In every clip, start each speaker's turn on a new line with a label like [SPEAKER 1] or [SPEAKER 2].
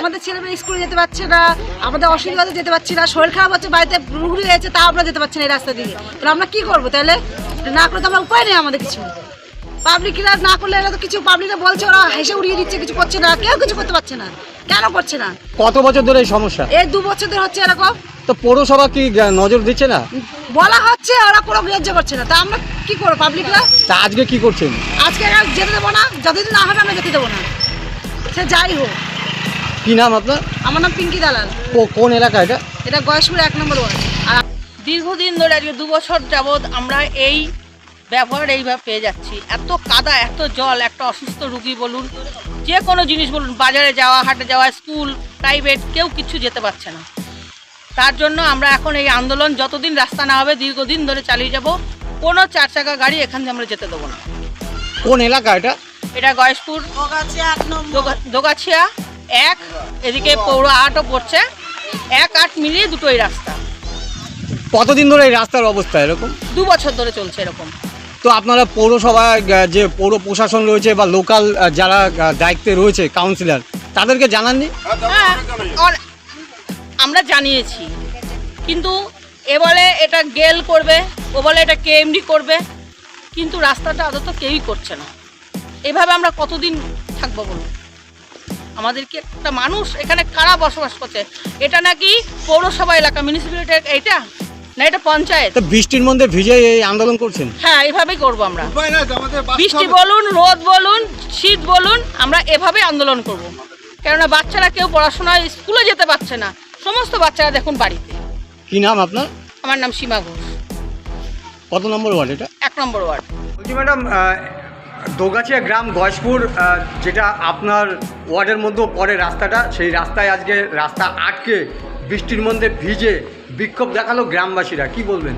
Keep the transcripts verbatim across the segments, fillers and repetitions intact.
[SPEAKER 1] আমাদের ছেলেমেয়ে স্কুলে যেতে পারছে না, আমাদের অসুবিধাতে যেতে পারছি না, শরীর খারাপ হচ্ছে, বাড়িতে রুগী হয়েছে, তা আমরা যেতে পারছি না এই রাস্তা দিয়ে। তাহলে আমরা কী করবো? তাহলে না করে তো আমরা উপায় নেই আমাদের কিছু। পাবলিকরা না করলে এরা তো কিছু, পাবলিকরা বলছে ওরা হেসে উড়িয়ে দিচ্ছে, কিছু করছে না, কেউ কিছু করতে পারছে না। কেন করছে না?
[SPEAKER 2] কত বছর ধরে এই সমস্যা?
[SPEAKER 1] এই দু বছর ধরে হচ্ছে এরকম।
[SPEAKER 2] তো পৌরসভা কি নজর দিচ্ছে না?
[SPEAKER 1] বলা হচ্ছে, ওরা কোনো গ্রাহ্য করছে না। তা আমরা কি করবো পাবলিকরা?
[SPEAKER 2] তা আজকে কি করছেন?
[SPEAKER 1] আজকে যেতে দেবো না, যতদিন না হবে আমরা যেতে দেবো না, সে যাই হোক।
[SPEAKER 2] কি নাম আপনার?
[SPEAKER 1] আমার নাম পিঙ্কি দালাল।
[SPEAKER 2] কোন এলাকা এটা?
[SPEAKER 1] এটা গয়েশপুর এক নম্বর ওয়ার্ড। আর
[SPEAKER 3] দীর্ঘদিন ধরে আজকে দু বছর যাবৎ আমরা এই ব্যবহার এইভাবে পেয়ে যাচ্ছি। এত কাদা, এত জল, একটা অসুস্থ রুগী বলুন, যে কোনো জিনিস বলুন, বাজারে যাওয়া, হাটে যাওয়া, স্কুল, প্রাইভেট, কেউ কিছু যেতে পারছে না। তার জন্য আমরা এখন এই আন্দোলন যতদিন রাস্তা না হবে দীর্ঘদিন ধরে চালিয়ে যাব। কোনো চার চাকা গাড়ি এখান থেকে আমরা যেতে দেবো না।
[SPEAKER 2] কোন এলাকা এটা?
[SPEAKER 3] এটা গয়েশপুর দোগাছিয়া এক, এদিকে পৌর আটও পড়ছে, এক আট মিলিয়ে দুটোই রাস্তা।
[SPEAKER 2] কতদিন ধরে এই রাস্তার অবস্থা এরকম?
[SPEAKER 3] দু বছর ধরে চলছে এরকম।
[SPEAKER 2] তো আপনারা পৌরসভায় যে পৌর প্রশাসন রয়েছে বা লোকাল যারা দায়িত্বে রয়েছে কাউন্সিলর, তাদেরকে জানাননি?
[SPEAKER 3] হ্যাঁ, আমরা জানিয়েছি, কিন্তু এ বলে এটা গেল করবে, ও বলে এটা কেএমডি করবে, কিন্তু রাস্তাটা আদত কেউই করছে না। এভাবে আমরা কতদিন থাকবো বলুন? আমাদেরকে একটা মানুষ এখানে কারা বসবাস করছে? এটা নাকি পৌরসভা এলাকা, মিউনিসিপ্যালিটি এইটা না, এটা পঞ্চায়েত।
[SPEAKER 2] তো বৃষ্টির মধ্যে ভিজে এই আন্দোলন করছেন?
[SPEAKER 3] হ্যাঁ, এভাবেই করবো আমরা। বৃষ্টি বলুন, রোদ বলুন, শীত বলুন, আমরা এভাবেই আন্দোলন করব। কেননা বাচ্চারা কেউ পড়াশোনায় স্কুলে যেতে পারছে না, সমস্ত বাচ্চারা দেখুন বাড়িতে।
[SPEAKER 2] কি নাম আপনার?
[SPEAKER 3] আমার নাম সীমা ঘোষ।
[SPEAKER 2] কত নম্বর ওয়ার্ড এটা?
[SPEAKER 3] এক নম্বর ওয়ার্ড।
[SPEAKER 2] বলছি ম্যাডাম, দোগাছিয়া গ্রাম গয়েশপুর, যেটা আপনার ওয়ার্ডের মধ্যেও পড়ে রাস্তাটা, সেই রাস্তায় আজকে রাস্তা আটকে বৃষ্টির মধ্যে ভিজে বিক্ষোভ দেখালো গ্রামবাসীরা, কি বলবেন?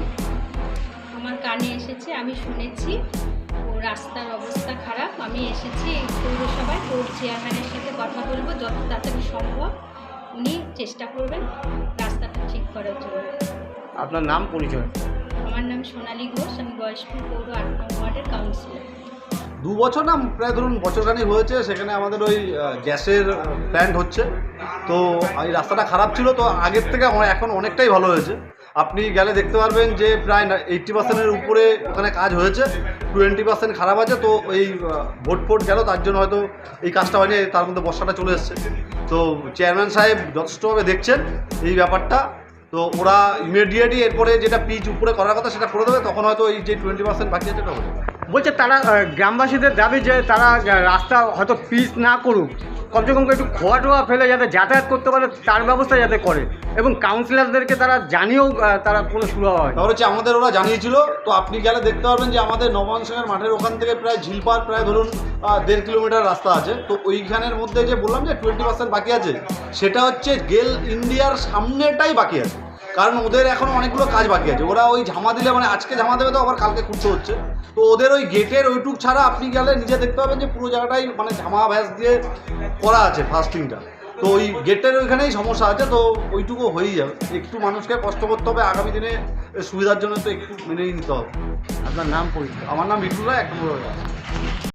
[SPEAKER 4] আমার কানে এসেছে, আমি শুনেছি ও রাস্তার অবস্থা খারাপ। আমি এসেছি পৌরসভায়, পৌর চেয়ারম্যানের সাথে কথা বলবো, যত তাড়াতাড়ি সম্ভব উনি চেষ্টা করবেন রাস্তাটা ঠিক করার জন্য।
[SPEAKER 2] আপনার নাম, পরিচয়?
[SPEAKER 4] আমার নাম সোনালী ঘোষ, আমি গয়েশপুর পৌর আট নম্বর ওয়ার্ডের কাউন্সিলর।
[SPEAKER 5] দু বছর না, প্রায় ধরুন বছরখানিক হয়েছে, সেখানে আমাদের ওই গ্যাসের প্ল্যান্ট হচ্ছে। তো এই রাস্তাটা খারাপ ছিল, তো আগের থেকে এখন অনেকটাই ভালো হয়েছে। আপনি গেলে দেখতে পারবেন যে প্রায় এইট্টি পার্সেন্টের উপরে ওখানে কাজ হয়েছে, টোয়েন্টি পার্সেন্ট খারাপ আছে। তো এই ভোট ফোট গেল, তার জন্য হয়তো এই কাজটা হয়নি, তার মধ্যে বর্ষাটা চলে এসছে। তো চেয়ারম্যান সাহেব যথেষ্টভাবে দেখছেন এই ব্যাপারটা। তো ওরা ইমিডিয়েটলি এরপরে যেটা পিচ উপরে করার কথা সেটা করে দেবে, তখন হয়তো এই যে টোয়েন্টি পার্সেন্ট বাকি আছে সেটা হবে।
[SPEAKER 2] বলছে তারা, গ্রামবাসীদের দাবি যে তারা রাস্তা হয়তো পিচ না করুক, কমসে কম একটু খোয়া টোয়া ফেলে যাতে যাতায়াত করতে পারে তার ব্যবস্থা যাতে করে, এবং কাউন্সিলরদেরকে তারা জানিয়েও তারা কোনো সুরাহা হয়।
[SPEAKER 5] তারপর হচ্ছে আমাদের ওরা জানিয়েছিল। তো আপনি গেলে দেখতে পারবেন যে আমাদের নবাংশের মাঠের ওখান থেকে প্রায় ঝিলপাড় প্রায় ধরুন দেড় কিলোমিটার রাস্তা আছে। তো ওইখানের মধ্যে যে বললাম যে টোয়েন্টি পার্সেন্ট বাকি আছে, সেটা হচ্ছে গেল ইন্ডিয়ার সামনেটাই বাকি আছে, কারণ ওদের এখনও অনেকগুলো কাজ বাকি আছে। ওরা ওই ঝামা দিলে, মানে আজকে ঝামা দেবে তো আবার কালকে খুঁজতে হচ্ছে। তো ওদের ওই গেটের ওইটুক ছাড়া আপনি গেলে নিজে দেখতে পাবেন যে পুরো জায়গাটাই মানে ঝামা ভ্যাস দিয়ে করা আছে ফাস্টিংটা। তো ওই গেটের ওইখানেই সমস্যা আছে, তো ওইটুকু হয়েই যাবে। একটু মানুষকে কষ্ট করতে হবে, আগামী দিনে সুবিধার জন্য তো একটু মেনেই নিতে হবে।
[SPEAKER 2] আপনার নাম, পরিচয়?
[SPEAKER 5] আমার নাম বিটুল রায়, এক নম্বর।